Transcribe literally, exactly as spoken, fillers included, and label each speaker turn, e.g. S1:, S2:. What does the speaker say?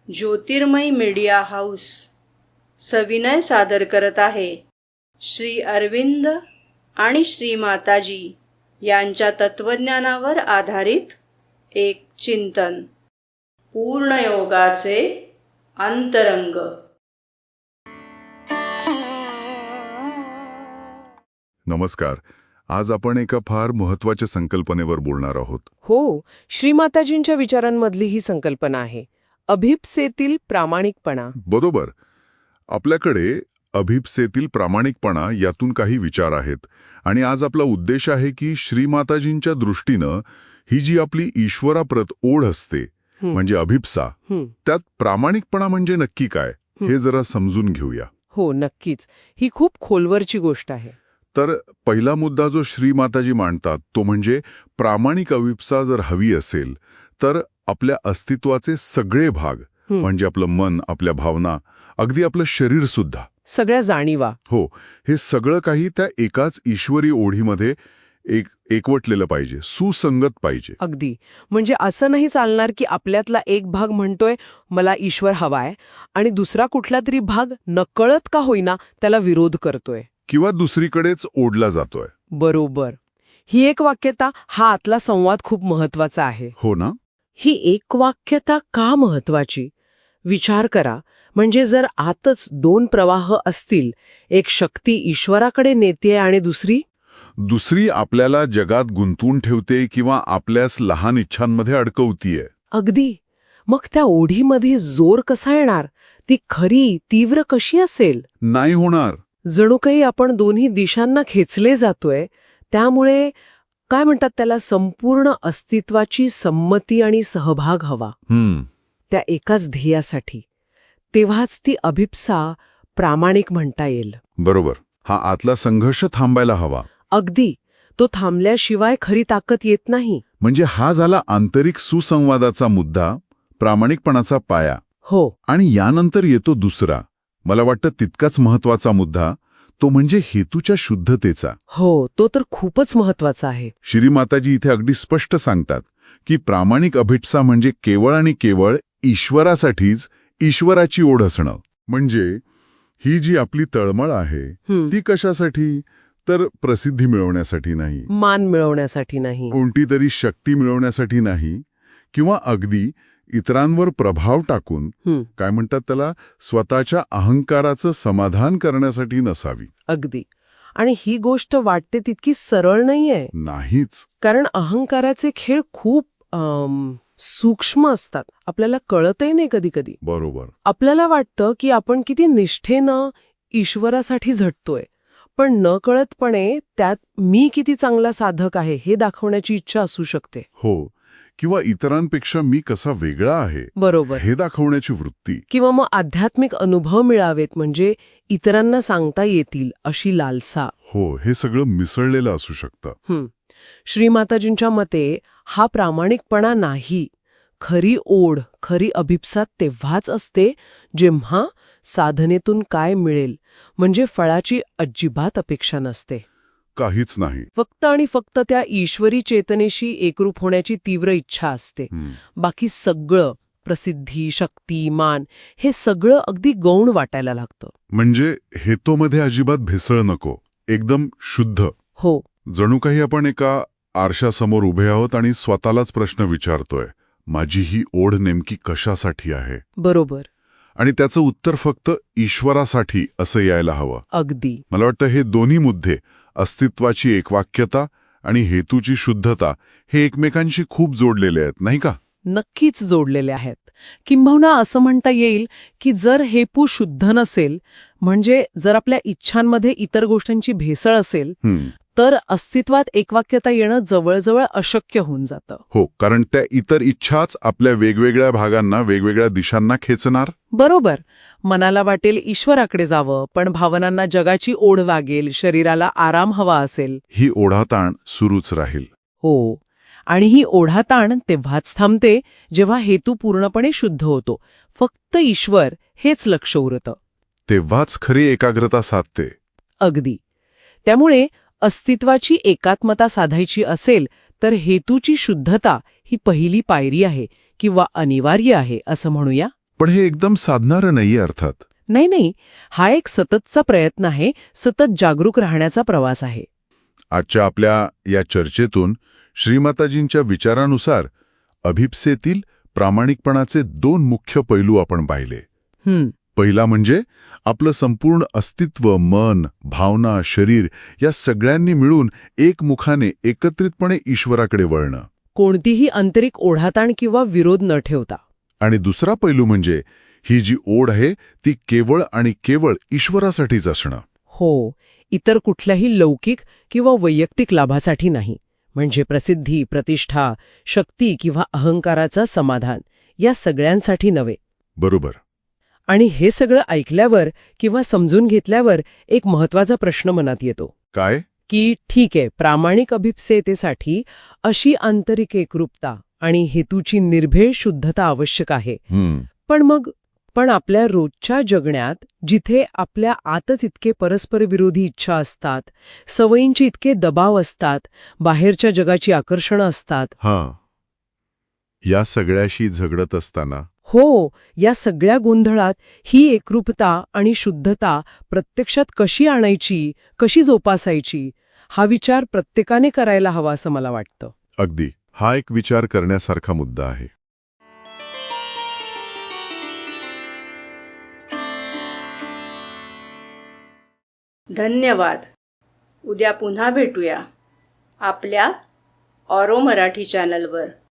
S1: ज्योतिर्मय media house सविनय सादर करत आहे श्री अरविंद आणि श्री माताजी यांच्या तत्वज्ञानावर आधारित एक चिंतन, पूर्णयोगाचे अंतरंग.
S2: नमस्कार. आज आपण एका फार महत्वाच्या संकल्पनेवर बोलणार आहोत.
S3: हो, श्रीमाताजींच्या विचारांमधली ही संकल्पना आहे, अभिप्सेतील प्रामाणिकपणा.
S2: बरोबर. आपल्याकडे अभिप्सेतील प्रामाणिकपणा यातून काही विचार आहेत आणि आज आपला उद्देश आहे की श्रीमाताजींच्या दृष्टीनं ही जी आपली ईश्वराप्रत ओढ असते म्हणजे अभिप्सा, त्यात प्रामाणिकपणा म्हणजे नक्की काय हे जरा समजून घेऊया.
S3: हो, नक्कीच. ही खूप खोलवरची गोष्ट आहे.
S2: तर पहिला मुद्दा जो श्रीमाताजी मांडतात तो म्हणजे प्रामाणिक अभिप्सा जर हवी असेल तर आपल्या अस्तित्वाचे सगळे भाग म्हणजे आपलं मन, आपल्या भावना, अगदी आपलं शरीर सुद्धा,
S3: सगळ्या जाणीवा,
S2: हो, हे सगळं काही त्या एकाच ईश्वरी ओढीमध्ये एक एकवटलेलं पाहिजे, सुसंगत पाहिजे.
S3: अगदी. म्हणजे असं नाही चालणार की आपल्यातला एक भाग म्हणतोय मला ईश्वर हवाय आणि दुसरा कुठला तरी भाग नकळत का होईना त्याला विरोध करतोय
S2: किंवा दुसरीकडेच ओढला जातोय.
S3: बरोबर. ही एक वाक्यता, हा आतला संवाद खूप महत्वाचा आहे.
S2: हो ना.
S3: ही एकवाक्यता का महत्वाची? विचार करा. म्हणजे जर आतच दोन प्रवाह असतील, एक शक्ती ईश्वराकडे नेते आणि दुसरी
S2: दुसरी आपल्याला जगात गुंतवून ठेवते किंवा आपल्यास लहान इच्छांमध्ये अडकवतीये.
S3: अगदी. मग त्या ओढीमध्ये जोर कसा येणार? ती खरी तीव्र कशी असेल?
S2: नाही होणार.
S3: जणू काही आपण दोन्ही दिशांना खेचले जातोय. त्यामुळे काय म्हणतात त्याला, संपूर्ण अस्तित्वाची संमती आणि सहभाग हवा
S2: हम्म
S3: त्या एकाच ध्येयासाठी. तेव्हाच ती अभिप्सा प्रामाणिक म्हणता येईल.
S2: बरोबर. हा आतला संघर्ष थांबायला हवा.
S3: अगदी. तो थांबल्याशिवाय खरी ताकद येत नाही.
S2: म्हणजे हा झाला आंतरिक सुसंवादाचा मुद्दा, प्रामाणिकपणाचा पाया.
S3: हो.
S2: आणि यानंतर येतो दुसरा, मला वाटतं तितकाच महत्वाचा मुद्दा, तो म्हणजे हेतूच्या शुद्धतेचा.
S3: हो, तो तर खूपच महत्वाचा आहे.
S2: श्रीमाताजी इथे अगदी स्पष्ट सांगतात की प्रामाणिक अभिप्सा म्हणजे केवळ आणि केवळ ईश्वरासाठीच ईश्वराची ओढ असणं. म्हणजे ही जी आपली तळमळ आहे ती कशासाठी? तर प्रसिद्धी मिळवण्यासाठी नाही,
S3: मान मिळवण्यासाठी नाही,
S2: कोणती तरी शक्ती मिळवण्यासाठी नाही, किंवा अगदी इतरांवर प्रभाव टाकून काय म्हणतात त्याला, स्वतःच्या अहंकाराचं समाधान करण्यासाठी नसावी.
S3: अगदी. आणि ही गोष्ट वाटते तितकी सरळ नाहीये.
S2: नाहीच.
S3: कारण अहंकाराचे खेळ खूप सूक्ष्म असतात. आपल्याला कळतही नाही कधी कधी.
S2: बरोबर.
S3: आपल्याला वाटतं की आपण किती निष्ठेनं ईश्वरासाठी झटतोय, पण न कळतपणे त्यात मी किती चांगला साधक आहे हे दाखवण्याची इच्छा असू शकते.
S2: हो. किंवा इतरांपेक्षा मी कसा वेगळा आहे
S3: बरोबर हे
S2: दाखवण्याची वृत्ती.
S3: किंवा मग आध्यात्मिक अनुभव मिळावेत म्हणजे इतरांना सांगता येतील अशी लालसा.
S2: हो, हे सगळं मिसळलेलं असू शकतं.
S3: श्रीमाताजींच्या मते हा प्रामाणिकपणा नाही. खरी ओढ, खरी अभिप्सा तेव्हाच असते जेव्हा साधनेतून काय मिळेल म्हणजे फळाची अजिबात अपेक्षा नसते.
S2: काहीच नाही.
S3: फक्त आणि फक्त त्या ईश्वरी चेतनेशी एकरूप होण्याची तीव्र इच्छा असते. बाकी सगळं, प्रसिद्धी, शक्ती, मान, हे सगळं अगदी गौण वाटायला लागतं.
S2: म्हणजे हेतूमध्ये अजिबात भेसळ नको, एकदम शुद्ध.
S3: हो.
S2: जणू काही आपण एका आरशासमोर उभे आहोत आणि स्वतःलाच प्रश्न विचारतोय, माझी ही ओढ नेमकी कशासाठी आहे?
S3: बरोबर.
S2: आणि त्याचं उत्तर फक्त ईश्वरासाठी असं यायला हवं.
S3: अगदी.
S2: मला वाटतं हे दोन्ही मुद्दे, अस्तित्वाची एकवाक्यता आणि हेतूची शुद्धता, हे एकमेकांशी खूप जोडलेले आहेत, नाही का?
S3: नक्कीच जोडलेले आहेत. किंबहुना असं म्हणता येईल की जर हेतू शुद्ध नसेल, म्हणजे जर आपल्या इच्छांमध्ये इतर गोष्टींची भेसळ असेल, तर अस्तित्वात एकवाक्यता येणं जवळजवळ अशक्य होऊन जातं.
S2: हो, कारण त्या इतर इच्छाच आपल्या वेगवेगळ्या भागांना, वेगवेगळ्या दिशांना खेचणार.
S3: बरोबर. मनाला वाटेल ईश्वराकडे जावं, पण भावनांना जगाची ओढ लागेल, शरीराला आराम हवा असेल.
S2: ही ओढाताण सुरूच राहील.
S3: हो. आणि ही ओढाताण तेव्हाच थांबते जेव्हा हेतू पूर्णपणे शुद्ध होतो. फक्त ईश्वर हेच लक्ष उरतं.
S2: तेव्हाच खरी एकाग्रता साधते.
S3: अगदी. त्यामुळे अस्तित्वाची एकात्मता साधायची असेल तर हेतूची शुद्धता ही पहिली पायरी आहे किंवा अनिवार्य आहे असं म्हणूया.
S2: पण हे एकदम साधणारं नाहीये अर्थात.
S3: नाही नाही, हा एक सततचा प्रयत्न आहे, सतत जागरूक राहण्याचा प्रवास आहे.
S2: आजच्या आपल्या या चर्चेतून श्रीमाताजींच्या विचारानुसार अभिप्सेतील प्रामाणिकपणाचे दोन मुख्य पैलू आपण पाहिले.
S3: हं,
S2: पहिला म्हणजे आपलं संपूर्ण अस्तित्व, मन, भावना, शरीर या सगळ्यांनी मिळून एकमुखाने एकत्रितपणे ईश्वराकडे वळणं.
S3: कोणतीही आंतरिक ओढाताण किंवा विरोध न ठेवता.
S2: आणि दुसरा पैलू म्हणजे ही जी ओढ आहे ती केवळ आणि केवळ ईश्वरासाठीच असणं.
S3: हो, इतर कुठल्याही लौकिक किंवा वैयक्तिक लाभासाठी नाही. म्हणजे प्रसिद्धी, प्रतिष्ठा, शक्ती किंवा अहंकाराचा समाधान या सगळ्यांसाठी नव्हे.
S2: बरोबर.
S3: आणि हे सगळं ऐकल्यावर किंवा समजून घेतल्यावर एक महत्वाचा प्रश्न मनात येतो
S2: काय?
S3: की ठीक आहे, प्रामाणिक अभिप्सेतेसाठी अशी आंतरिक एकरूपता आणि हेतूची निर्भेळ शुद्धता आवश्यक आहे.
S2: हम्म
S3: पण मग पण आपल्या रोजच्या जगण्यात जिथे आपल्या आतच इतके परस्पर विरोधी इच्छा असतात, सवयींचे इतके दबाव असतात, बाहेरच्या जगाची आकर्षणं असतात.
S2: हा या सगळ्याशी झगडत असताना
S3: हो, या सगळ्या गोंधळात ही एकरूपता आणि शुद्धता प्रत्यक्षात कशी आणायची, कशी जोपासायची, हा विचार प्रत्येकाने करायला हवा असं मला वाटतं.
S2: अगदी हा एक विचार करण्यासारखा मुद्दा आहे.
S1: धन्यवाद. उद्या पुन्हा भेटूया आपल्या ऑरो मराठी चॅनलवर.